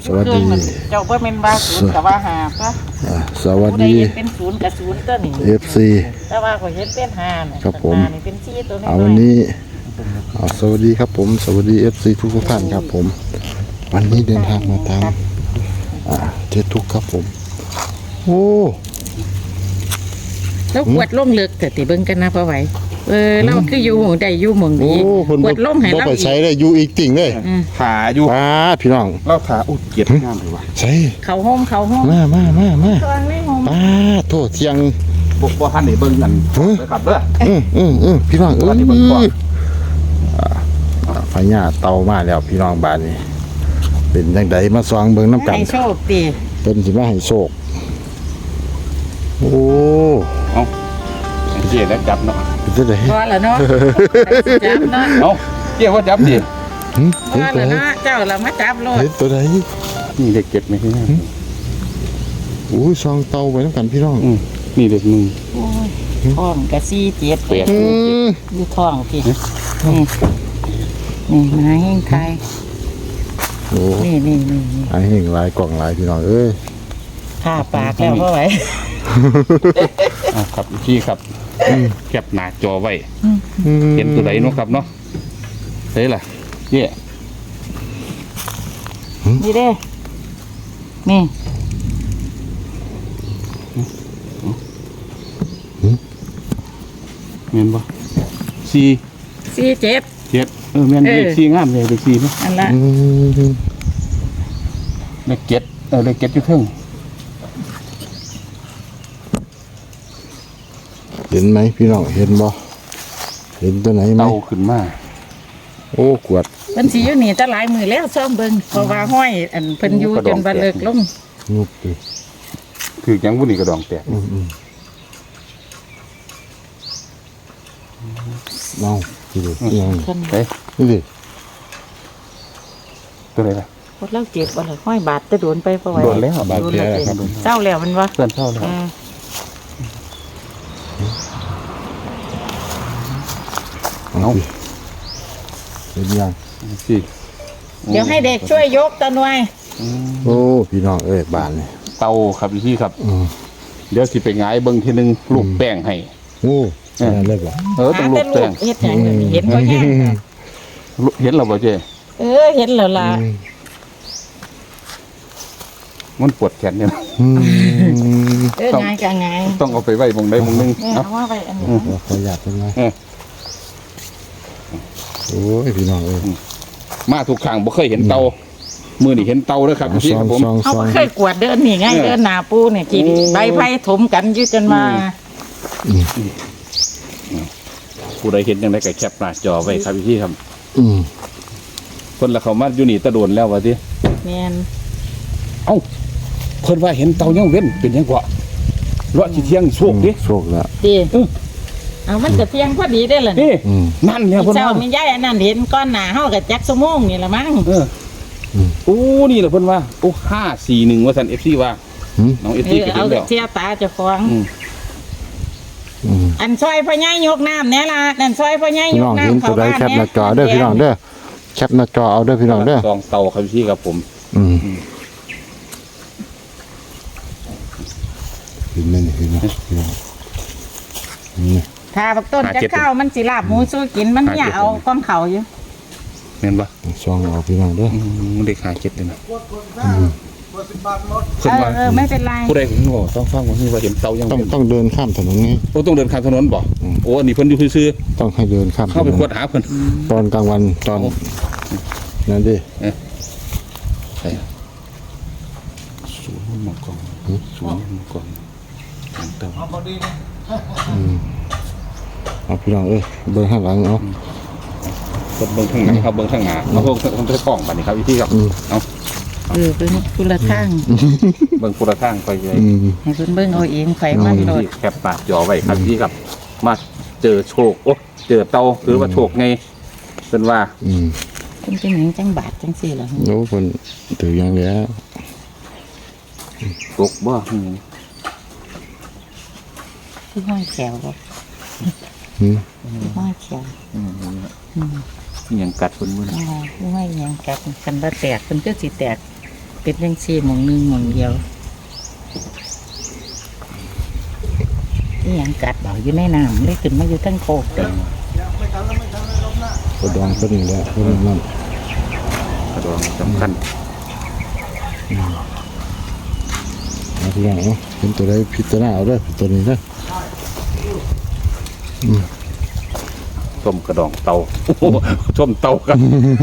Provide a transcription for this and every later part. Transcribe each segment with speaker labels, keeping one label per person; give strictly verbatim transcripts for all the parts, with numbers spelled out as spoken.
Speaker 1: สวัสดี
Speaker 2: เจ้าบ่แม่นว่าศูนย์กับว่าหาซะ
Speaker 1: สวัสดี
Speaker 2: เป็นศูนย์กับศูนย์ตัวนี้
Speaker 1: เอฟซี
Speaker 2: แต่ว่าข่อยเห็นเป็นห้าน่ะ
Speaker 1: ครับผม
Speaker 2: ห้านี่เป็นสี่ตัวนี้
Speaker 1: เอาวันนี้เอาสวัสดีครับผมสวัสดีเอฟซีทุกทุกท่านครับผม วันนี้เดินทางมาตามอ่าเจทุกครับผมโอ้
Speaker 2: แล้วกวดลงเลิกแต่ติเบิ่งกันนะพ่อไหวเออเราคืออยู่หม่องใดอยู่หม่อง
Speaker 1: โอ้
Speaker 2: นี้
Speaker 1: คน
Speaker 2: กวดลงให้
Speaker 1: บ่
Speaker 2: เรา
Speaker 1: ไป
Speaker 2: อี
Speaker 1: ใช้
Speaker 2: ก
Speaker 1: ได้อยู่อีกติ่งเลย
Speaker 3: ขาอยู่
Speaker 1: ป้าพี่น้อง
Speaker 3: เล่าขาอุดเกียรติงามเลยว่ะ
Speaker 1: ใช่
Speaker 2: เขาห้องเขาห้อง
Speaker 1: มามามามา
Speaker 2: ตอนไม่ห้อง
Speaker 1: ป้าโทษเที่ยง
Speaker 3: บกบ่ทันได้เบิ่งกันเลยครับเด้อ
Speaker 1: อืมอืมอืมพี่น้องเอ้
Speaker 3: วันนี้เบิ่งก่อน
Speaker 1: ยอ่าไฟหญ้าเตามาแล้วพี่น้องบ้านนี้ เป็นจังไดมาซองเบิ่งน้ำกัน
Speaker 2: ให้โชคดี
Speaker 1: เป็นสิมาให้โชคโอ้
Speaker 3: เอาเจี๊ยแล้วจับเนาะ
Speaker 1: เป็นจังได
Speaker 2: พอแล้วเนาะจับเนาะ
Speaker 3: เอาเจี๊ยว่าจับดิ
Speaker 1: หึ
Speaker 2: พ
Speaker 1: เห็น
Speaker 2: อ
Speaker 1: ตัว
Speaker 2: แล้ว
Speaker 1: ไหน
Speaker 2: เนาะเจ้าเรามาจับโลด
Speaker 1: เห็นตัวไหน
Speaker 3: นี่เด็กเก็บไหมพี่น้อง
Speaker 1: โอ้ยซองเตาไว้น้ำกันพี่น้อง
Speaker 3: อืมนี่เด็กหนึ่ง
Speaker 2: โอ้ยท้องกะซี่เจ็ด
Speaker 3: แปด
Speaker 1: อืม
Speaker 2: อยู่ท้องพี่นี่นี่มาให้ใคร
Speaker 1: โอ้
Speaker 2: นี่นี่นี่นี่
Speaker 1: ไอ้เห่งหลายกล่องหลายพี่น้องเอ้ย
Speaker 2: ข้าปากแล้วพ่อไหว
Speaker 3: เอาครับพี่ครับแคปหน้าจอไว้
Speaker 1: อืม
Speaker 3: เห็นตัวไหนเนาะครับเนาะเฮ้ยล่ะเจี๊ย
Speaker 2: นี่เด้นี่
Speaker 3: แม่นบ่สี่
Speaker 2: สี่เจ็ด
Speaker 3: เจ็ดเออแม่น
Speaker 2: เออ
Speaker 3: เลขสี่งามเลยเลขสี่เนาะ
Speaker 2: อันละ
Speaker 1: อืม
Speaker 3: เลขเจ็ดเออเลขเจ็ดอยู่เทิง
Speaker 1: เห็นไหมพี่น้องเห็นบ่เห็นตัวไหนไหม
Speaker 3: เตาขึ้นมา
Speaker 1: โอ้กวด
Speaker 2: เพิ่นสิอยู่นี่จะหลายมือแล้วซ่อมเบิ่งเพราะว่าห้อยอันเพิ่นอยู่จนบ่เลิกลง
Speaker 1: นุบดิ
Speaker 3: คือจังบุนี่กระดองแตก
Speaker 1: อืมอืมเอาพี่ดิยัง
Speaker 2: เพิ่น
Speaker 3: เฮ้ย
Speaker 1: นี่ดิ
Speaker 3: ตัวไหนล่ะ
Speaker 2: พดเล่าเจ็บบ่ล่ะห้อยบาดจะโดนไปบ่ไหว
Speaker 3: โดนแล้วบาด
Speaker 2: โดน
Speaker 3: แผล
Speaker 2: แล้ว
Speaker 3: ครับ
Speaker 2: เศร้าแล้วมันวะ
Speaker 3: เพื่อนเท่าแล้ว
Speaker 2: เออ
Speaker 1: เอาพี่เห็นยัง
Speaker 3: สิ
Speaker 2: เดี๋ยวให้เด็กช่วยยกตะหน่วย
Speaker 1: โอ้พี่น้องเอ้ยบ้านนี่
Speaker 3: เตาครับพี่ครับ
Speaker 1: อืม
Speaker 3: เดี๋ยวสิไปหงายเบิ่งทีหนึงลูกแป้งให้
Speaker 1: โอ้ขนาดเลยบ่
Speaker 3: เออต้องลู
Speaker 2: แต่
Speaker 3: กแป้ง
Speaker 2: เฮ็ดหยังอยู่นี่เห็นบ่แห้งน่ะ
Speaker 3: เห็นแล้วบ่เจ้
Speaker 2: เออเห็นแล้วล่ะ
Speaker 1: อืม
Speaker 3: มันปวดแขนเนี่ย
Speaker 1: อืม
Speaker 2: เออไงก็ไง
Speaker 3: ต้องเอาไปไว้มองใดมองหนึง
Speaker 2: เออ
Speaker 3: เนาะ
Speaker 2: เอามาไว้อันนี้
Speaker 1: เราขออยากเป็นไง
Speaker 3: เออ
Speaker 1: โอ้ยพี่น้องเอ้ย
Speaker 3: มาทุกครั้งบ่เคยเห็นเตามื้อนี้เห็นเตาแล้วครับพี่
Speaker 1: ซ
Speaker 3: ค
Speaker 1: อ
Speaker 3: รั
Speaker 1: ง
Speaker 3: บผม
Speaker 1: ซอง
Speaker 2: เขา
Speaker 1: ซอ
Speaker 2: ก็
Speaker 1: ง
Speaker 2: เคยกวดเดินนี่ไง
Speaker 3: เออ
Speaker 2: เดินหน้าปูเนี่ยกี่
Speaker 3: โอ้
Speaker 2: ใบไผ่ถมกันอยู่จนมา
Speaker 3: ผู้ใดเห็นจังได๋ก็แคปหน้าจอไว้ครับพี่ครับ
Speaker 1: อืม
Speaker 3: เพิ่นละเขามาอยู่นี่ตะโดนแล้วว่าติ
Speaker 2: แม่น
Speaker 3: เอ้าเพิ่นว่าเห็นเตายังเว้นเป็นหยังกว่าเลาะสิเที่ยงโชคดิ
Speaker 1: โชคแล้ว
Speaker 2: ดีเอามันจะเที่ยงพอดีได้อล่ะนี่
Speaker 3: นี่
Speaker 1: อืม
Speaker 3: นั่นเนี่ยเพิ่น
Speaker 2: เจ้า
Speaker 3: ว่า
Speaker 2: มีย้ายอันนั้นเห็นก้อนหนาเฮากับจักสมงนี่ละมั้ง
Speaker 3: เออโอ้นี่แหละเพิ่นว่าโอ้ห้าสี่หนึ่งว่าสันเอฟซีว่า
Speaker 1: หืม
Speaker 3: น้องเอฟ
Speaker 2: เอ
Speaker 3: ซี
Speaker 2: อ
Speaker 3: ก็
Speaker 2: เอา
Speaker 3: เห็นแล้ว
Speaker 2: เสียตาเจะฟ้าของ
Speaker 3: อืม
Speaker 1: อืม
Speaker 2: อันซอยพ่อใหญ่ยกน้ำแน่ล่ะนั่นซอยพ่อใหญ่
Speaker 1: พี่
Speaker 2: ย
Speaker 1: น้
Speaker 2: ก
Speaker 1: อง
Speaker 2: น้ำ
Speaker 1: เห็นตัวใดแคปหน้าจอเด้อพี่น้องเด้อแคปหน้าจอเอาเด้อพี่น้องเด้อ
Speaker 3: ซองเตาครับพี่ครับผม
Speaker 1: อืมเห็นไหมนี่เห็นไหมพี่น้องนี่
Speaker 2: ถ้าบักต้นจะเข้ามันสิลาบหมูสู้กินมันเนี่ยเอาก้อนเขาอยู่
Speaker 3: เห็นปะ
Speaker 1: ซองเอาพี่น้องเด้อ
Speaker 3: อืมเด็กหาเจ็ดเลยนะ
Speaker 2: เอ
Speaker 3: เพิ่น
Speaker 2: อ
Speaker 3: ว่า
Speaker 2: เออไม่เป็นไร
Speaker 3: ผู้ใดผมบอกต้องฟังว่านี่ว่าเห็นเตายัง
Speaker 1: ต้อง
Speaker 3: เป็น
Speaker 1: ต้องเดินข้ามถนนไง
Speaker 3: โอ้ต้องเดินข้ามถนนบ่โอ้อันนี้เพิ่นอยู่ซื่อ
Speaker 1: ต้องให้เดินข้าม
Speaker 3: ๆ
Speaker 1: ถ
Speaker 3: เข้าน ไป
Speaker 1: น
Speaker 3: ขวดหาเพิ่น
Speaker 1: ตอนกลางวันตอน
Speaker 3: โอ้
Speaker 1: นั่นดิ
Speaker 3: ใช่ศูนย์หมอกกองศูนย์หมอกกองเตา
Speaker 1: เอาพี่น้องเอ้ยเดินข้างหลังเอา
Speaker 3: เพิ่นเบิ่งข้างหน้าครับเบิ่งข้างหน้าเอาเบิ่งข้างใต้กล้องบัดนี้ครับพี่ครับเอา
Speaker 2: เออเป็นกุละทาง
Speaker 3: เบิ่งคนละข้างไปเลย
Speaker 1: อืม
Speaker 2: ให้เพิ่นเบิ่งเอาเองไฟมันโดด
Speaker 3: ที่แคปปากจอไว้ครับพี่ครับ มาเจอโชคโอ้เจอเตาหรือว่าโชคไงเป็นว่า
Speaker 1: อืม
Speaker 2: เพิ่นเป็นหยังจังบาดจังซี่ล่ะ
Speaker 1: โอ้คนถืออย่างแล้ว
Speaker 3: โชคบ่อืม
Speaker 2: คือห้อยแขวบ่
Speaker 1: อืม
Speaker 2: คือห้อยแขว
Speaker 3: อืม
Speaker 2: อืม
Speaker 3: นี่ยังกัดคนมือ
Speaker 2: อ๋อคือห้อยหยังกัดกันบ่แตกเพิ่นก็สิแตกแตเป็นจังซี่หม่องหนึงหม่องเดียวนี่ยังกัดเบาอยู่ในน้ำเลยขึ้นมาอยู่ทั้งโคกเลย
Speaker 1: กระดองตัวนี้แหละตัวนี้นั่น
Speaker 3: กระดองสำคัญ
Speaker 1: เอาพี่น้องเอาเป็นตัวใดพิจารณาเอาเด้อตัวนี้เด้อ
Speaker 3: ส้มกระดองเตาโอ้โหส้มเตาครับ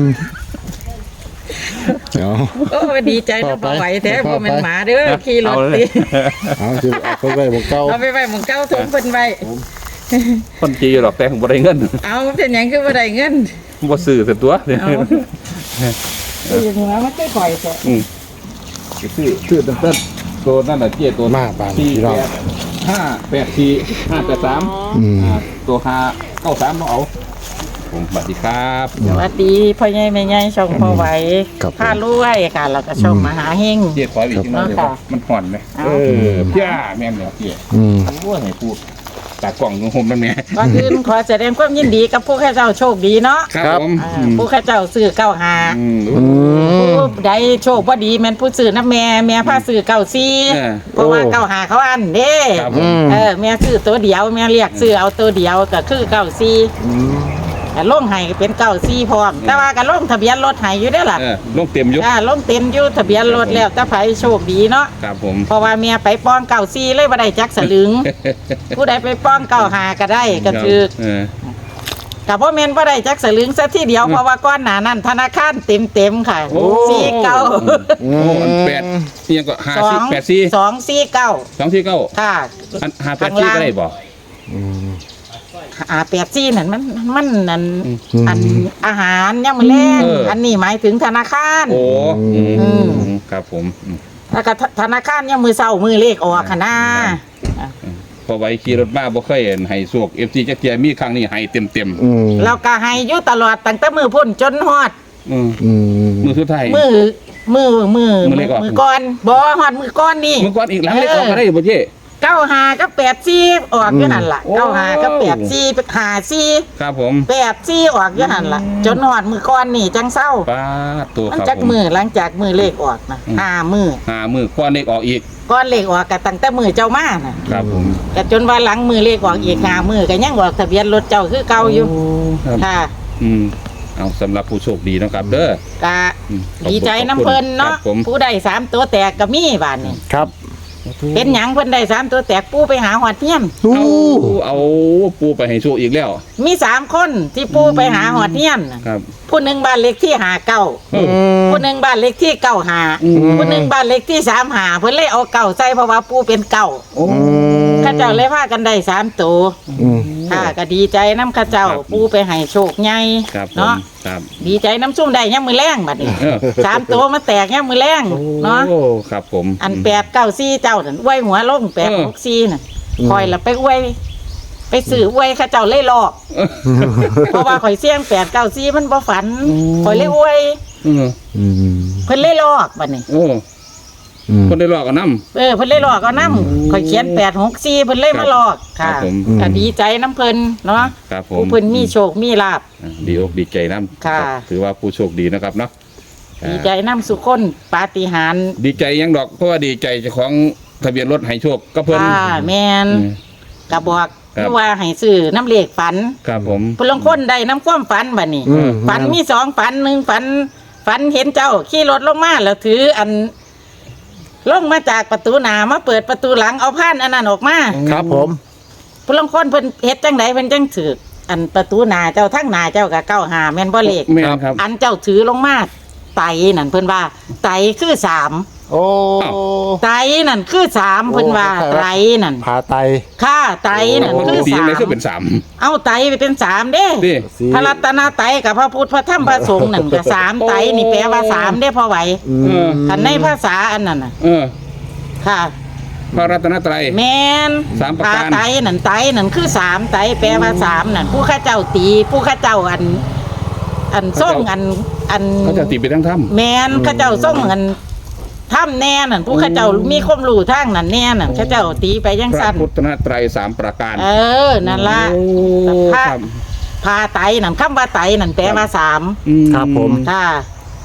Speaker 1: เอา
Speaker 2: โอ้ดีใจนะบ่ไหวแท้บ่แม่นหมาเด้อขี่รถ
Speaker 3: เอาเล
Speaker 2: ติ
Speaker 3: ย
Speaker 1: เอาสิเอาไปไว้บ่เก่า
Speaker 2: เอาไปไว้หม่องเก่าถุงเพิ่นไว้
Speaker 3: คนจีหรอกแต่ผมบ่ได้เงิน
Speaker 2: เอาเป็นหยังคือบ่ได้เงิน
Speaker 3: บ่ซื้อแต่ตัวเนี่ย
Speaker 2: เอาเอ้ยหนูว่ามันค่อยๆแท้
Speaker 3: อืมซื้อซื้อตั้งแต่ตัวนั่นน่ะเจี๊ยตัว
Speaker 1: มาบาน
Speaker 3: สี่
Speaker 1: พี่น้อง
Speaker 3: แปดห้าแปดสี่ห้าแปดสาม
Speaker 1: อืม
Speaker 3: อ่าตัวห้าเก้าสามต้องเอาผมสวัสดีครับ
Speaker 2: สวัสดีพ่อใหญ่แม่ใหญ่ช่องพ่อไหว
Speaker 1: ครับผม
Speaker 2: พารวยค่ะแล้วก็ช่องมหาเฮง
Speaker 3: เจี๊ยขออีกทีนึงเดี๋ยว
Speaker 2: ค่ะ
Speaker 3: มันห่อนไหม
Speaker 2: เอา
Speaker 3: เออพี่อาแม่นเนี่ยเจี๊ย
Speaker 1: อืม
Speaker 3: โอ้ยให้พูดตากล่องของผมนั่นแม่
Speaker 2: ก่อนอื่นขอแสดงความยินดีกับผู้ข้าเจ้าโชคดีเนาะ
Speaker 3: ครับผม
Speaker 2: อ่าผู้ข้าเจ้าซื้อเก้าหา
Speaker 3: อืม
Speaker 1: อืม
Speaker 2: ผู้ใดโชคบ่ดีแม่นผู้ซื้อน้ำแม่แม่พาซื้อเก้าซี
Speaker 3: เออ
Speaker 2: เพราะว่า
Speaker 1: โอ้
Speaker 2: เก้าหาเขาอันเด้
Speaker 3: ครับผ
Speaker 1: อื
Speaker 3: ม
Speaker 1: ม
Speaker 2: เออแม่ซื้อตัวเดียวแม่เรียกซื้อเอาตัวเดียวก็คือเก้าซี
Speaker 1: อืม
Speaker 2: แต่ลงให้ก็เป็นเก้าซีพร้อมแต่ว่าก็ลงทะเบียนรถให้อยู่เด้อล่ะ
Speaker 3: เออลงเต็มอยุ
Speaker 2: อ่าลงเต็มอยู่ทะเบียนรถแล้วแต่ไผโชคดีเนาะ
Speaker 3: ครับผม
Speaker 2: เพราะว่าเมียไปป้องเก่าซีเลยบ่ได้จักสลึง ผู้ใดไปป้องเก่าหาก็ได้ก็คือ
Speaker 3: เออ
Speaker 2: กับพ่อแม่นบ่ได้จักสลึงซะทีเดียวเพราะว่าก้อนหนานั้นธนาคารเต็มเต็มๆค่ะ
Speaker 3: โอ้
Speaker 2: สี่เก้า
Speaker 3: โอ้อันแปดนี่ยังก็ห้า
Speaker 2: สอ
Speaker 3: สี่
Speaker 2: ง
Speaker 3: แปดสี่
Speaker 2: สองสี่เก้า
Speaker 3: สองสี่เก้า
Speaker 2: ค่ะ
Speaker 3: อันห้าแปดสี่ก็ได้บ่
Speaker 1: อืม
Speaker 2: อ่าแปดซี่นั่นมันมันนั่น
Speaker 3: อืม
Speaker 2: อันอาหารยังมื้อแรง
Speaker 3: เอออั
Speaker 2: อันนี้หมายถึงธนาคาร
Speaker 3: โอ้อืม
Speaker 2: อืม
Speaker 3: ครับผมอืม
Speaker 2: แล้วก็ธนาคารยังมือเศร้ามือเลขออกค่ะนะ
Speaker 3: พอไว้ขี่รถมาบ่เคยเห็นให้สวก เอฟ ซี จักเทียมีครั้งนี้ให้เต็ม
Speaker 1: อืม
Speaker 2: เราก็ให้อยู่ตลอดตั้งแต่มือพุ่นจนฮอด
Speaker 3: ๆอืม
Speaker 1: อืม
Speaker 3: มือสุดท้าย
Speaker 2: มือมือมือ
Speaker 3: มือเลขออก
Speaker 2: มือก่อนบ่ฮอดมือก่อนนี่
Speaker 3: มือก่อนอีกหลังเล็กออกก็ได้บ่เจ้
Speaker 2: เก้าหากับแปดซี่ออกอยู่นั่นล่ะ
Speaker 3: โอ้
Speaker 2: เก้าหากับแปดซี่หาซี่
Speaker 3: ครับผม
Speaker 2: แปดซี่ออกอยู่นั่นล่ะ จนฮอดมือก่อนนี่จังเศร้า
Speaker 3: ป้าดตัว
Speaker 2: มัน
Speaker 3: ครับ
Speaker 2: จัก
Speaker 3: ผม
Speaker 2: มือหลังจากมือเลขออกนะ
Speaker 3: อืม
Speaker 2: ห้ามือ
Speaker 3: หามือก้อนเล็กออกอีก
Speaker 2: ก่อนเลขออกก็ตั้งแต่มือเจ้ามาน่ะ
Speaker 3: ครับผม
Speaker 2: ก็จนว่าหลังมือเลขออกอีกห้ามือก็ยังออกทะเบียนรถเจ้าคือเก่าอยู่
Speaker 3: ครับ
Speaker 2: ค่ะ
Speaker 3: อืมเอาสำหรับผู้โชคดีเนาะครับ เด้อ
Speaker 2: ก็
Speaker 3: อืมขอบคุณ
Speaker 2: ดีใจน้ำเพิ่นเนาะ
Speaker 3: ครับผม
Speaker 2: ผู้ได้สามตัวแตกก็มีบาดนี้
Speaker 1: ครับ
Speaker 2: เป็นหยังเพิ่นได้สามตัวแตกปูไปหาหอดเทียน
Speaker 1: อู้
Speaker 3: เอาเอาปูไปให้โชคอีกแล้ว
Speaker 2: มีสามคนที่ปูไปหาหอดเทียนน่ะ
Speaker 3: ครับ
Speaker 2: ผู้หนึ่งบ้านเลขที่หาเก้า
Speaker 3: เออ
Speaker 2: ผู้หนึ่งบ้านเลขที่เก้าหา
Speaker 3: อืม
Speaker 2: ผู้หนึ่งบ้านเลขที่สามหาเพิ่นเลยเอาเก้าใส่เพราะว่าปูเป็นเก้า
Speaker 3: โอ้
Speaker 2: ข้าเจ้าเลยพากันได้สามตัว
Speaker 1: อืม
Speaker 2: ค่ะก็ดีใจน้ำข้าเจ้า
Speaker 3: ครับ
Speaker 2: ปูไปให้โชคใหญ่
Speaker 3: ครับผม
Speaker 2: เนาะ
Speaker 3: ครับ
Speaker 2: ดีใจน้ำซุ่มได้ยังมือแรงบัดนี้
Speaker 3: เออ
Speaker 2: สามตัวมาแตกยังมือแรงเนาะ
Speaker 3: โอ้ครับผม
Speaker 2: อันแปดเก้าซี่เจ้านั่นอวยหัวลงแปดหกซี่น่ะคอยละไปอวยไปสื่ออวยข้าเจ้าเล่หลอก เพราะว่าข่อยเสี่ยงแปดเก้าซี่มันบ่ฝันข่อยเลยอวย
Speaker 3: เออ
Speaker 1: อืม
Speaker 2: เพิ่นเล่หลอกบัดนี้
Speaker 3: โอ้
Speaker 1: อืม
Speaker 3: คนได้หลอกกันน้ำ
Speaker 2: เออเพิ่นเล่หลอกเอาน้ำข่อยเขียนแปดหกซี่เพิ่นเล่มาหลอก
Speaker 3: ครั
Speaker 2: ค่ะ
Speaker 3: บผม
Speaker 2: ก็ดีใจน้ำเพิ่นเนาะ
Speaker 3: ครับผม
Speaker 2: ผู้เพิ่นมีโชคมีลาภ
Speaker 3: อ่าดีอกดีใจน้ำ
Speaker 2: ค่ะ
Speaker 3: รับถือว่าผู้โชคดีนะครับเนาะอ่า
Speaker 2: ดีใจน้ำสุคนปาฏิหาริย์
Speaker 3: ดีใจยังดอกเพราะว่าดีใจเจ้าของทะเบียนรถให้โชคก็เพิ่น
Speaker 2: ค่ะแม่น
Speaker 3: อืม
Speaker 2: ก็บอก
Speaker 3: ครับ
Speaker 2: ว่าให้ซื้อน้ำเลขฝัน
Speaker 3: ครับผม
Speaker 2: ผู้ลางคนได้น้ำความฝันบัดนี้
Speaker 1: อืม
Speaker 2: ฝันมีสองฝันหนึ่งฝัน ฝันเห็นเจ้าขี่รถลงมาแล้วถืออันลงมาจากประตูหน้ามาเปิดประตูหลังเอาผ้านอันนั้นออกมา
Speaker 1: ครับผม
Speaker 2: ผู้ลางคนเพิ่นเฮ็ดจังไดเพิ่นจังถืออันประตูหน้าเจ้าทั้งหน้าเจ้าก็เก้าหาแม่นบ่เลข
Speaker 3: แม่นครับ
Speaker 2: อันเจ้าถือลงมาไตนั่นเพิ่นว่า ไตคือสาม
Speaker 1: โอ้
Speaker 3: อ้าว
Speaker 2: ไตนั่นคือสามเพิ่นว่า
Speaker 1: โอ้
Speaker 2: ไตนั่น
Speaker 1: พาไต
Speaker 2: ค่าไตนั่น
Speaker 3: โอ้
Speaker 2: คือ
Speaker 3: ดี
Speaker 2: สา
Speaker 3: ไหม
Speaker 2: ม
Speaker 3: คือเป็นสาม
Speaker 2: เอาไตไปเป็นสามเด้
Speaker 3: ดิ
Speaker 1: สิ
Speaker 2: พระรัตนไตรกับพระพุทธพระธรรมพระสงฆ์นั่นก็สามไตรนี่แปลว่าสามได้พอไหว
Speaker 1: อื
Speaker 3: เออ
Speaker 1: ม
Speaker 2: คันในภาษาอันนั้นน่ะ
Speaker 3: เออ
Speaker 2: ค่ะ
Speaker 3: พระรัตนตรัย
Speaker 2: แมน
Speaker 3: สามประการ
Speaker 2: พไตรนั่นไตรนั่นคือสามไตรแปลว่าสามนั่นผู้ข้าเจ้าตี ผู้ข้าเจ้าอัน อันส่งอันอัน
Speaker 3: เขาจะตีไปทั้งถ้ำ
Speaker 2: แมนข้าเจ้าส่งอันถ้ำแน่นั่นผู้ข้าเจ้ามีความรู้ทางนั่นแน่นั่นข้าเจ้าตีไปยัง
Speaker 3: พระ
Speaker 2: สั้น
Speaker 3: พุทธนตรัยสามประการ
Speaker 2: เออนั่นละ
Speaker 3: โอ้
Speaker 2: พระ
Speaker 3: ครับ
Speaker 2: พาไตรนั่นคำว่าไตรนั่นแปลว่าสาม
Speaker 3: อื
Speaker 1: ครับผม
Speaker 2: ค่ะ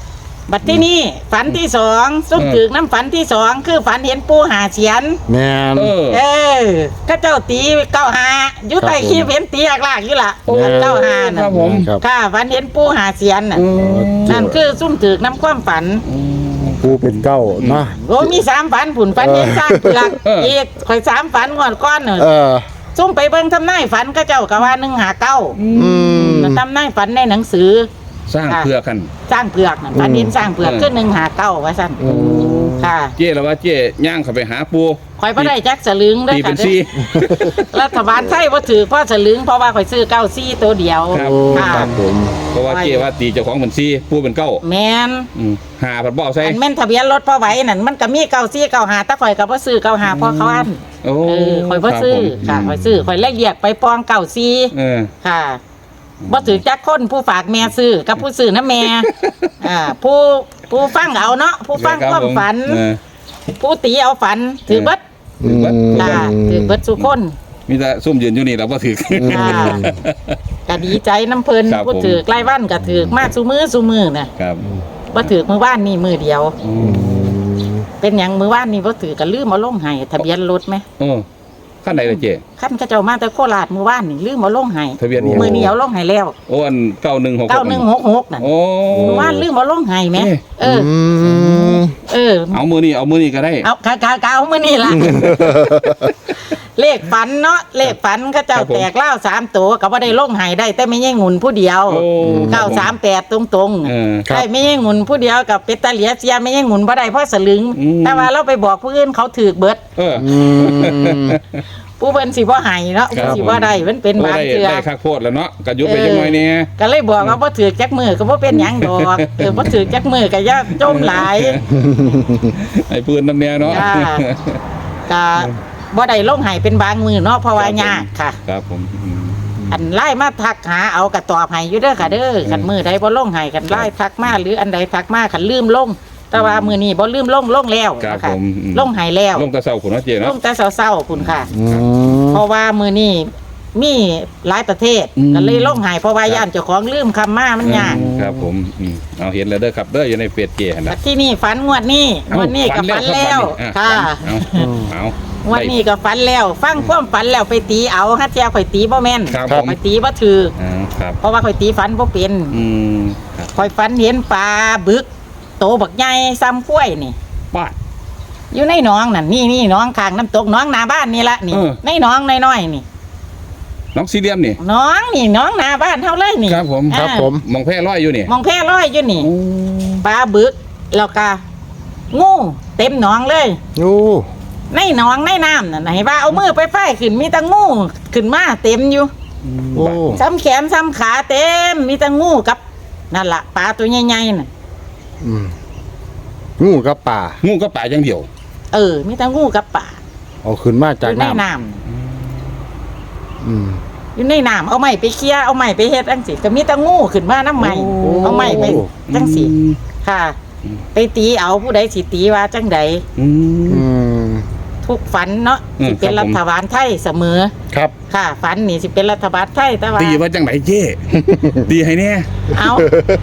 Speaker 2: บัดที่นี่ฝันที่สองซุ่มถึกน้ำฝันที่สองคือฝันเห็นปูหาเสียน
Speaker 1: แม่น
Speaker 3: เออ
Speaker 2: เออข้าเจ้าตีเก้าหาอยู่ใต้ขี้เห็นตีหลากๆอยู่ล่ะ
Speaker 3: โอ้
Speaker 2: เก้าหา
Speaker 3: ค
Speaker 2: น่ะ
Speaker 3: รับผม
Speaker 1: ครับ
Speaker 2: ค่ะฝันเห็นปูหาเสียนน่ะ
Speaker 3: อืม
Speaker 2: นั่นคือซุ่มถึกน้ำความฝัน
Speaker 1: ปูเป็นเก้าเนาะ
Speaker 2: โอ้มีสามฝันผุนฝันเห็นสร้างเปลือกอีกข่อยสามฝันก่อนก้อนเน
Speaker 1: เอ
Speaker 2: อะ
Speaker 1: อ
Speaker 2: ซุ่มไปเบิ่งทำนายฝันข้าเจ้าก็ว่าหนึ่งหาเก้า
Speaker 1: อืม
Speaker 2: ทำนายฝันในหนังสือ
Speaker 3: สร้างเพื่อกัน
Speaker 2: สร้างเปลือกน่ะฝันเห็นสร้างเปลือก
Speaker 3: เออ
Speaker 2: ขึ้นหนึ่งหาเก้าว่าสั่นค่ะ
Speaker 3: เจ้แล้วว่าเจ้ย่างเข้าไปหาปู
Speaker 2: ข่อยบ่ได้จักสลึงเด้อ
Speaker 3: ตีเป็
Speaker 2: ค่ะ
Speaker 3: นซี่
Speaker 2: รัฐบาลไทยบ่ถือเพราะสลึงเพราะว่าข่อยซื้อเก้าซี่ตัวเดียว
Speaker 3: ครับ
Speaker 1: โอ้
Speaker 2: ค่ะ
Speaker 1: ครับผม
Speaker 3: เพราะว่าเจ้ว่าตีเจ้าของเป็นซี่ปูเป็นเก้า
Speaker 2: แม่น
Speaker 3: อืมหาผัดบ่เอาใส่
Speaker 2: อันแม่นทะเบียนรถพ่อไหวนั่นมันก็มีเก้าซี่เก้าหาแต่ข่อยก็บ่ซื้อเก้าหาเพราะเขาอัน
Speaker 3: โอ้
Speaker 2: เออข่อยบ่ซื้อ
Speaker 3: รับผม
Speaker 2: ค่ะข่อยซื้อข่อยเลยเรียกไปปองเก้าซี่
Speaker 3: เออ
Speaker 2: ค่ะบ่ถือจักคนผู้ฝากแม่ซื้อกับผู้ซื้อนะแม่ อ่าผู้ผู้ฟังเอาเนาะผู้ฟังความฝัน
Speaker 3: เออ
Speaker 2: ผู้ตีเอาฝันถือเบิด
Speaker 1: อืม
Speaker 2: ค่ะถือเบิดสุคน
Speaker 3: มีแต่ซุ่มยืนอยู่นี่เราก็ถือ
Speaker 2: ค่ะก็ดีใจน้ำเพิ่น
Speaker 3: ครับผม
Speaker 2: ผู้ถือใกล้วันก็ถือมาซุมือซุมือน่ะ
Speaker 3: ครับ
Speaker 2: บ่ถือมือว่านนี่มือเดียว
Speaker 3: อืม
Speaker 2: เป็นหยังมือว่านนี่บ่ถือก็ลืมเอาลงให้ทะเบียนรถไหม
Speaker 3: โอ้ขั้นไหนเลยเจ้
Speaker 2: คันเขาเจ้ามาแต่โคราชมือว่านนี่ลืมเอาลงให้
Speaker 3: ทะเบียนนี่
Speaker 2: มือนี้เอาลงให้แล้ว
Speaker 3: โอ้อันเก้าหนึ่งหก
Speaker 2: เก้าหนึ่งหกหกนั่น
Speaker 3: โอ้
Speaker 2: มือว่านลืมเอาลงให้แหม
Speaker 3: เอ๊ะ
Speaker 2: เออ
Speaker 1: ม
Speaker 2: เออ
Speaker 3: เอามือนี่เอามือนี่ก็ได้
Speaker 2: เอากากากาเอามือนี่ล่ะ เลขฝันเนาะเลขฝันเขาเจ้า
Speaker 3: ครับผม
Speaker 2: แตกเล่าสามตัวก็บ่ได้ลงให้ได้ แต่ไม่ใช่งุนผู้เดียว
Speaker 3: โอ้
Speaker 2: เก้าสามแปดตรงๆ
Speaker 3: เออ
Speaker 1: ครับ
Speaker 2: ได้ไม่ใช่งุนผู้เดียวกับเป็ดตาเหลียเสียไม่ใช่งุนบ่ได้เพราะสลึง
Speaker 3: อืม
Speaker 2: แต่ว่าเราไปบอกผู้อื่นเขาถือเบิด
Speaker 3: เออ
Speaker 1: อืม
Speaker 2: ผู้เพิ่นสิบ่ให้เนาะ
Speaker 3: ครับ
Speaker 2: ผู้สิบ่ได้มันเป็นบาง
Speaker 3: ได้
Speaker 2: เทื่อ
Speaker 3: ได้คักโพดแล้วเนาะก็ยุบไปจังหน่อยเนี่ย
Speaker 2: ก็เลยบอกว่าบ่ถือจักมือก็บ่เป็นหยังดอกเออบ่ถือจักมือก็อย่าจมหลาย
Speaker 3: ไอ้ปืนน้ำเนียเนาะ
Speaker 2: จ้า ก็บ่ได้ลงให้เป็นบางมือเนาะเพราะว่ายากค่ะ
Speaker 3: ครับผมอืม
Speaker 2: อันไล่มาทักหาเอากระตอบให้อยู่เด้อค่ะเด้อคันมือใดบ่ลงให้คันไล่ทักมาหรืออันใดทักมาคันลืมลง แต่ว่ามือนี้บ่ลืมลงลงแล้ว
Speaker 3: ครับ
Speaker 2: นะคะ
Speaker 3: ผมอืม
Speaker 2: ลงให้แล้ว
Speaker 3: ลงตะเสาขุนเนาะเจ
Speaker 2: ล
Speaker 3: เนาะ
Speaker 2: งแต่เช้าๆคุณค่ะ
Speaker 1: อืม
Speaker 2: เพราะว่ามือนี้มีหลายประเทศ
Speaker 3: อืม
Speaker 2: ก็เลยลงให้เพราะว่าย่านเจ้าของลืมคำมามันยาก
Speaker 3: ครับผมอืมเอาเห็นแล้วเด้อครับเด้ออยู่ในเฟซเจหั่น
Speaker 2: แต่
Speaker 3: น่ะ
Speaker 2: ที่นี่ฝันงวดนี้งวดนี้ก็ฝันแล้ว
Speaker 3: ค่ะ
Speaker 2: ค่ะ
Speaker 3: เอาเอา
Speaker 2: งวดนี้ก็ฝันแล้ว ฟังความฝันแล้วไปตีเอาฮัทเจ้าข่อยตีบ่แม่น
Speaker 3: ครับผม
Speaker 2: ข่อยตีบ่ถือ
Speaker 3: อ่าครับ
Speaker 2: เพราะว่าข่อยตีฝันบ่เป็น
Speaker 3: อืมครับ
Speaker 2: ข่อยฝันเห็นปลาบึก โตบักใหญ่ซ้ำกล้วยนี่
Speaker 3: ป้าด
Speaker 2: อยู่ในหนองนั่นนี่นี่หนองข้างน้ำตกหนองหน้าบ้านนี่ละนี่
Speaker 3: เออ
Speaker 2: ในหนองน้อยๆนี่
Speaker 3: น้องซีเรียมนี่
Speaker 2: หนองนี่หนองหน้าบ้านเฮาเลยนี่
Speaker 3: ครับผม
Speaker 2: อ่า
Speaker 1: ครับผม
Speaker 3: มองแพร่ร้อยอยู่นี่
Speaker 2: มองแพร่ร้อยอยู่นี่
Speaker 3: โอ้
Speaker 2: ปลาบึกแล้วก็งูเต็มหนองเลย
Speaker 1: โอ้
Speaker 2: ในหนองในน้ำน่ะไหนว่าเอามือไปไฟขึ้นมีแตะงูขึ้นมาเต็มอยู่
Speaker 1: โอ้
Speaker 2: ซ้ำแขนซ้ำขาเต็มมีแตะงูกับนั่นละปลาตัวใหญ่ๆน่ะ
Speaker 1: อืมงูกับป่า
Speaker 3: งูก็ป่าอย่างเดียว
Speaker 2: เออ มีแตะงูกับปลา
Speaker 1: เอาขึ้นมา
Speaker 2: อ
Speaker 1: จาก
Speaker 2: ยู่ใน
Speaker 1: น้ำ
Speaker 2: น้
Speaker 1: อืม
Speaker 2: ำอยู่ในน้ำเอาไม้ไปเคลียร์เอาไม้ไปเฮ็ดจังสิก็มีแตะงูขึ้นมาน้ำไม้
Speaker 1: โอ้
Speaker 2: เอาไม้ไปจังสิ
Speaker 3: อืม
Speaker 2: ค่ะ ไปตีเอาผู้ใดสิตีว่าจังใด
Speaker 3: อืม
Speaker 1: อืม
Speaker 2: ทุกฝันเนาะ
Speaker 3: อืม
Speaker 2: สิเป็น
Speaker 3: ครั
Speaker 2: รับ
Speaker 3: ผม
Speaker 2: ฐบาลไทยเสมอ
Speaker 1: ครับ
Speaker 2: ค่ะฝันนี่สิเป็นรัฐบาลไทยแต่ว่า
Speaker 3: ตีว่าจังไหนเจ้ ตีให้เนี่ย
Speaker 2: เอา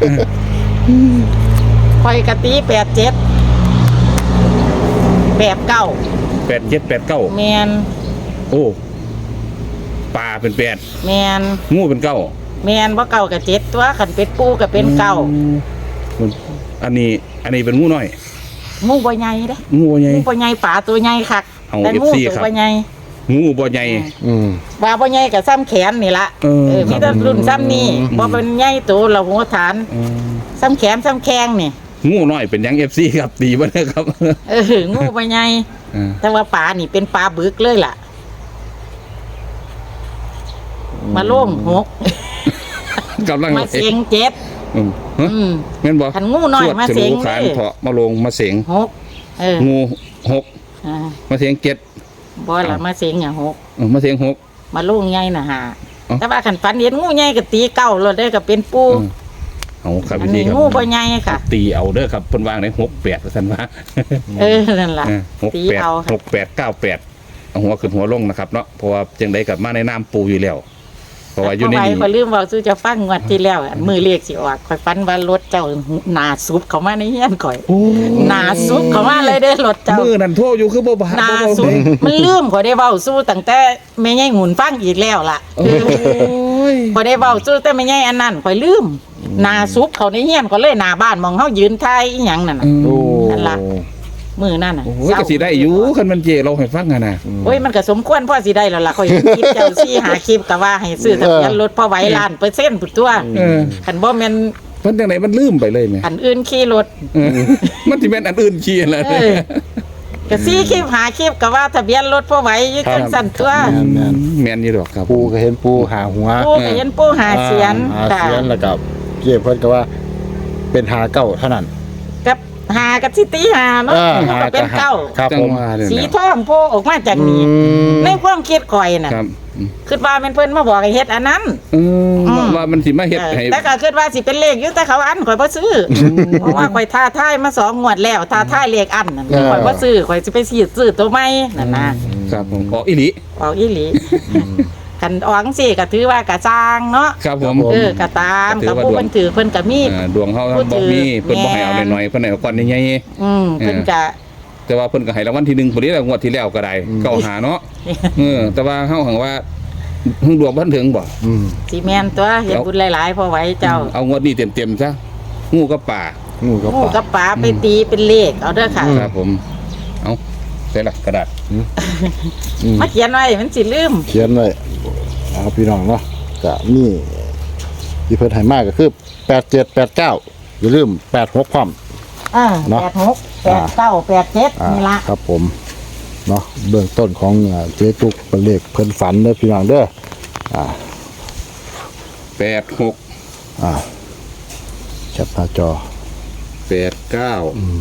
Speaker 2: คอยกะตีแปดเจ็ดแปดเก้า
Speaker 3: แปดเจ็ดแปดเก้า
Speaker 2: แมน
Speaker 3: โอ้ป่าเป็นแปด
Speaker 2: แมน
Speaker 3: งูเป็นเก้า
Speaker 2: แมนว่าเก้ากับเจ็ดตัวขันเป็ดปูกับเป็นเก้า
Speaker 3: อืมมันอันนี้ อันนี้เป็นงูน้อย
Speaker 2: งูบ่ใหญ่เด้
Speaker 3: งูใหญ่
Speaker 2: งูบ่ใหญ่ป่าตัวใหญ่คัก
Speaker 3: เอา
Speaker 2: แต่งู
Speaker 3: เอฟซี
Speaker 2: ตัว
Speaker 3: ครับ
Speaker 2: บ่ใหญ่
Speaker 3: งูบ่ใหญ่
Speaker 1: อืม
Speaker 2: ว่าบ่ใหญ่กับซ้ำแขนนี่ละ
Speaker 3: เออ
Speaker 2: เออมีแต่รุ่นซ้ำนี่
Speaker 3: อืม
Speaker 2: บ่เป็นใหญ่ตัวเราหัวฐาน
Speaker 3: อืม
Speaker 2: ซ้ำแขนซ้ำแข้งนี่
Speaker 3: งูน้อยเป็นหยังเอฟซีครับตีบ่ได้ครับ
Speaker 2: เอองูบ่ใหญ่
Speaker 3: เออ
Speaker 2: แต่ว่าป่านี่เป็นปลาบึกเลยล่ะ มาโล่งหก
Speaker 3: กำลัง
Speaker 2: มาเสียงเจ็ด
Speaker 3: อืมฮะ
Speaker 2: อืม
Speaker 3: แม่นบ่
Speaker 2: ขันงูน้อย
Speaker 3: สวด
Speaker 2: มา
Speaker 3: ฉ
Speaker 2: เสียง
Speaker 3: ลูขาน
Speaker 2: เลย
Speaker 3: เถาะมาลงมาเสียง
Speaker 2: หกเออ
Speaker 3: งูหก
Speaker 2: อ่า
Speaker 3: มาเสียงเจ็ด
Speaker 2: บ่ละมาเสียงอย่างหก
Speaker 3: เออมาเสียงหก
Speaker 2: มาลูกใหญ่น่ะหา
Speaker 3: เอ้า
Speaker 2: แต่ว่าขันฝันเห็นงูใหญ่ก็ตีเก้าเลยได้อก็เป็นปู
Speaker 3: เออเอาครับ
Speaker 2: อัน
Speaker 3: พี่
Speaker 2: นี้
Speaker 3: ครับ
Speaker 2: งูบ่ใหญ่ค่ะ
Speaker 3: ตีเอาเด้อครับเพิ่นวางได้หกแปดท่าซั่นว่า
Speaker 2: เออนั่นล่ะ
Speaker 3: เออหก
Speaker 2: ตี
Speaker 3: แปด
Speaker 2: เอาค่ะ
Speaker 3: หกแปดเก้าแปดเอาหัวขึ้นหัวลงนะครับเนาะเพราะว่าจังไดกับมาในน้ำปูอยู่แล้วราะว่าอยู่ใน
Speaker 2: ข่
Speaker 3: นี้
Speaker 2: อยลืมเว้าสู่เจะฟังงวดที่แล้วอันมือเลขสิออกข่อยฝันว่ารถเจ้าหน้าซุบเข้ามาในเฮียนข่อยหน้าซุบเข้ามาเลยเด้อรถเจ้า
Speaker 3: มือนั่นโทรอยู่คือบ่บ่
Speaker 2: หน้า
Speaker 3: บ่
Speaker 2: ซุบมันลืมข่อยได้เว้าสู่ตั้งแต่แม่ใหญ่หมุนฟังอีกแล้วล่ะ
Speaker 3: โอ้ย
Speaker 2: ข่อยได้เว้าสู่แต่แม่ใหญ่อันนั้นข่อยลืมหน้าซุบเข้าในเฮียนก็เลยหน้าบ้านมองเฮายืนถ่ายอีหยังนั่นน่ะ
Speaker 1: โอ้
Speaker 2: นั่นล่ะ มือนั่นน่ะ
Speaker 3: โอ้ยก็สิได้อยู่คันมันเจเราให้ฟังอ่ะนะ
Speaker 2: โอ้ยมันก็สมควรพ่อสิได้แล้วล่ะข่อยคิดเจ้าซี่หาคลิปก็ว่าให้ซื้อทะเบียนรถพอไหวล้านเปอร์เซ็นต์พุ่นตัว
Speaker 3: เออ
Speaker 2: คันบ่แม่น
Speaker 3: เพิ่นจังไดมันลืมไปเลยแม่
Speaker 2: อันอื่นขี่รถ
Speaker 3: เออมันสิแม่นอันอื่นขี้แหละ
Speaker 2: เออ ก็ซี่คลิปหาคลิปก็ว่าทะเบียนรถพอไหวอยู่จังซั่นตัว
Speaker 1: แม่นแม่น
Speaker 3: แม่นอยู่ดอกครับ
Speaker 1: ปูก็เห็นปูหาหัว
Speaker 2: ปูก็เห็นปูหาเสียน
Speaker 1: หา
Speaker 2: ค่ะ
Speaker 1: เสียนแล้วก็เก็บเพิ่นก็ว่า เป็นหาเก้าเท่านั้น
Speaker 2: กับหากับสิตีหาเนาะ
Speaker 1: เออ
Speaker 2: มัน
Speaker 1: หา
Speaker 2: ก็เป็นเก้า
Speaker 1: ครับ
Speaker 3: จัง
Speaker 1: ผม
Speaker 3: ว่าเนี่ย
Speaker 2: สี
Speaker 3: นะ
Speaker 2: ทองโผล่ออกมาจากนี้
Speaker 1: อืม
Speaker 2: ในความคิดข่อยน่ะ
Speaker 3: ครับอืม
Speaker 2: คิดว่าแม่นเพิ่นมาบอกให้เฮ็ดอันนั้น
Speaker 3: เออ
Speaker 2: อืม
Speaker 3: ว่ามันสิมาเฮ็ดให้
Speaker 2: แต่ก็คิดว่าสิเป็นเลขอยู่แต่เขาอันข่อยบ่ซื้ออเพราะว่าข่อยท้าทายมาสองงวดแล้วท้าทายเลขอันนั่น
Speaker 1: เออ
Speaker 2: ข่อยบ่ซื้อข่อยสิไปซื้อซื้อตัวใหม่นั่นนะ
Speaker 3: ครับผมออกอีหลี
Speaker 2: เอาอีหลีคันออกจังซี่ก็ถือว่ากะสร้างเนาะ
Speaker 3: ครับผม
Speaker 2: เออกะตาม
Speaker 3: ก็ถื
Speaker 2: กับ
Speaker 3: อว่า
Speaker 2: ผู้
Speaker 3: ดวง
Speaker 2: เพิ่นถือเพิ่นก็มี
Speaker 3: อ่าดวงเฮา
Speaker 2: พูด
Speaker 3: บ่มี
Speaker 2: ถึง
Speaker 3: เพิ่นบ่ให้เอา
Speaker 2: แม่
Speaker 3: น้อยๆเพิ่นให้เอาก้อนใหญ่
Speaker 2: อืมเพิ่นก็
Speaker 3: ๆแต่ว่าเพิ่นก็ให้รางวัลที่หนึ่งพุ่นนี้แหละงวดที่แล้วก็ได้เก้าหาเนาะเออแต่ว่าเฮาหังว่าเพิ่งดวงบ่ทันถึงบ่
Speaker 1: อืม
Speaker 2: สิแม่นตัวเฮ็ดบุญหลายๆพอไหว้เจ้า
Speaker 3: เอางวดนี้เต็มๆซะงูกับป่า
Speaker 1: งูกับ
Speaker 2: หมู
Speaker 1: ปลา
Speaker 2: กับปลาไปตีเป็นเลขเอาเด้อค่ะ
Speaker 3: ครับผม เอาใส่ละกระดาษ
Speaker 1: อืม
Speaker 2: มาเขียนไว้มันสิลืม
Speaker 1: เขียนไว้เอาพี่น้องเนาะก็มีที่เพิ่นให้มากก็คือแปดเจ็ดแปดเก้าอย่าลืมแปดหกพร้อม
Speaker 2: อ่า
Speaker 1: เนาะ
Speaker 2: แปดหกแปดเก้าแปดเจ็ด
Speaker 1: อ่า
Speaker 2: นี่ละ
Speaker 1: ครับผมเนาะเบื้องต้นของอ่าเจ๊ตุกเป็นเลขเพิ่นฝันเด้อพี่น้องเด้ออ่า
Speaker 3: แปดหก
Speaker 1: อ่าแคปหน้าจอ
Speaker 3: แปดเก้า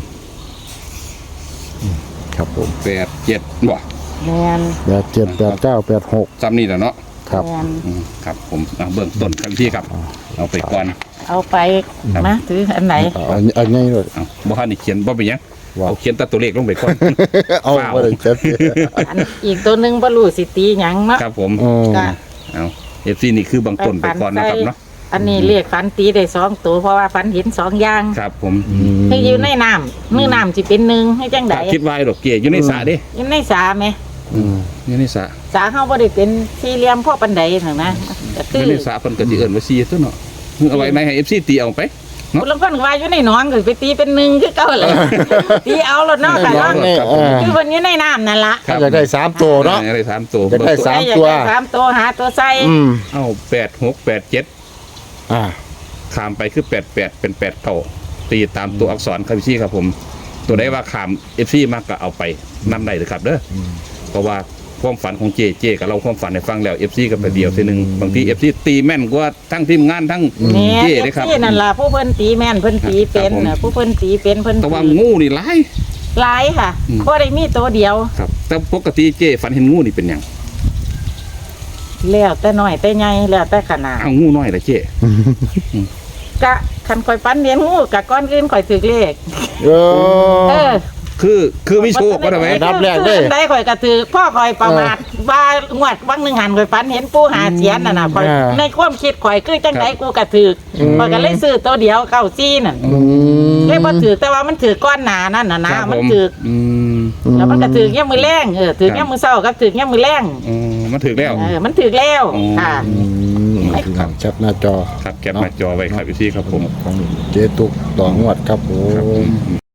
Speaker 1: ครับผม
Speaker 3: แปดเจ็ดบ่
Speaker 2: แมน
Speaker 1: แปดเจ็ดแปดเก้าแปดหก
Speaker 3: จำนี่แหละเนาะ
Speaker 1: ครับ
Speaker 2: แมน
Speaker 3: อืมครับผมเอาเบื้องต้นครับพี่ครับ เอาไปก่อน
Speaker 2: เอาไปนะถืออันไหน
Speaker 1: เอาอันอันนี้เลย
Speaker 3: เอาบ่ทันได้เขียนบ่เป็นหยัง
Speaker 1: ว้าว
Speaker 3: เอาเขียนแตัตัวเลขลงไปก่อน
Speaker 1: เอา
Speaker 3: เปล่า
Speaker 1: บ่ได้เจ็บ
Speaker 2: อันอีกตัวหนึ่งบรูสิตีหยังเนาะ
Speaker 3: ครับผม
Speaker 1: อืม
Speaker 2: ก็
Speaker 3: เอาเอฟซีนี่คือบางต้นไปก่อนนะครับเนาะ
Speaker 2: อันนี้เรียกฟันตีได้สองตัวเพราะว่าฟันเห็นสองอย่าง
Speaker 3: ครับผม
Speaker 2: คืออยู่ในน้ำมือน้ำสิเป็นหนึ่งให้จังได
Speaker 3: ถ้าคิดไว้ดอกเกียอยู่ในสระเดิ
Speaker 2: อยู่ในสาไหม
Speaker 1: อืม
Speaker 3: อยู่ในสระ
Speaker 2: สาเขาบ่ได้เป็นสี่เหลี่ยมพ่อปันไดถึงนะก็
Speaker 3: อ
Speaker 2: คือยู่
Speaker 3: ในสระเพิ่นก็สิเอิ้นว่าซีตัวเนาะเอาไว้ในให้ เอฟ ซี ตีเอาไป
Speaker 2: คนละคนก็ว่าอยู่ในหนองก็ไปตีเป็นหนึ่งคือเก่าเลยตีเอาแล้วเนาะค่ะ
Speaker 1: น้อง
Speaker 2: เนาะ
Speaker 1: นี่เออ
Speaker 2: คือวันอยู่ในน้ำนั่นละ
Speaker 1: ถ้าอยากได้สามตัวเนาะ
Speaker 3: อยากได้สามตัว
Speaker 1: อยากได้สาม ตัว
Speaker 2: อยกได้สามตัวหาตัวใส่
Speaker 1: อืม
Speaker 3: เอาแปดหกแปดเจ็ด
Speaker 1: อ่า
Speaker 3: ขามไปคือแปดแปดเป็นแปดเท่าตีตามตัวอักษรครับพี่ครับผม ตัวใดว่าขาม เอฟ ซี มากก็เอาไปนำได้เลยครับเด้ออเพราะว่าความฝันของเจเจกับเราความฝันให้ฟังแล้ว เอฟ ซี ก็ไปเดียวทีหนึงบางที เอฟ ซี ตีแม่นกว่าทั้งทีมงานทั้ง
Speaker 2: แม่
Speaker 3: เจ
Speaker 2: เอ
Speaker 3: เลย
Speaker 2: ฟ
Speaker 3: ครับ
Speaker 2: ซีนั่นล่ะผู้เพิ่นตีแม่นเพิ่นตีเป็น
Speaker 3: ครับผม
Speaker 2: น่ะผู้เพิ่นตีเป็นเพิ่น
Speaker 3: แต่ว่า
Speaker 2: ตี
Speaker 3: งูนี่หลาย
Speaker 2: หลายค่ะ
Speaker 3: อืม
Speaker 2: บ่ได้มีตัวเดียว
Speaker 3: ครับแต่ปกติเจฝันเห็นงูนี่เป็นหยัง
Speaker 2: แล้วแต่น้อยแต่ใหญ่แล้วแต่ขนาด
Speaker 3: เอางูน้อยละเจ
Speaker 2: กะคันข่อยฟันเลี้ยงงูกะก้อนอื่นข่อยถือเลข
Speaker 1: เอ
Speaker 2: เอ
Speaker 1: อ
Speaker 2: อ
Speaker 3: คือคือมีโชคก็ได้ไหม
Speaker 1: อันดับแรกเด้
Speaker 2: ได้ข่อยกระถือพ่อข่อยประมาทว่างวดวังหนึ่งหันข่อยฝันเห็นปูหาเสียนน่ะนะข่อย
Speaker 1: อ่า
Speaker 2: ในความคิดข่อยคือจังไดกูกระถืออข่อยก็เลยซื้อตัวเดียวเก้าซี่นั่น
Speaker 1: อืม
Speaker 2: เลยบ่ถือแต่ว่ามันถือก้อนหนานั่นน่ะนะครับ มัน
Speaker 3: ผม
Speaker 2: ถือ
Speaker 3: อืม
Speaker 2: แล้วมันก็ถือย่ามมือแรงเออถือย่ามมือเช้ากับถือย่ามมือแรง
Speaker 3: อ๋อมาถึงแล้ว
Speaker 2: เออมันถือแล้ว
Speaker 3: อ๋อ
Speaker 2: ค่ะ
Speaker 1: อืมพี่น้องแคปหน้าจอ
Speaker 3: ครับแคปหน้าจอไว้ครับพี่ครับผม
Speaker 1: ของเจ๊ตุกต่องวดครับผ
Speaker 3: ครับผม ม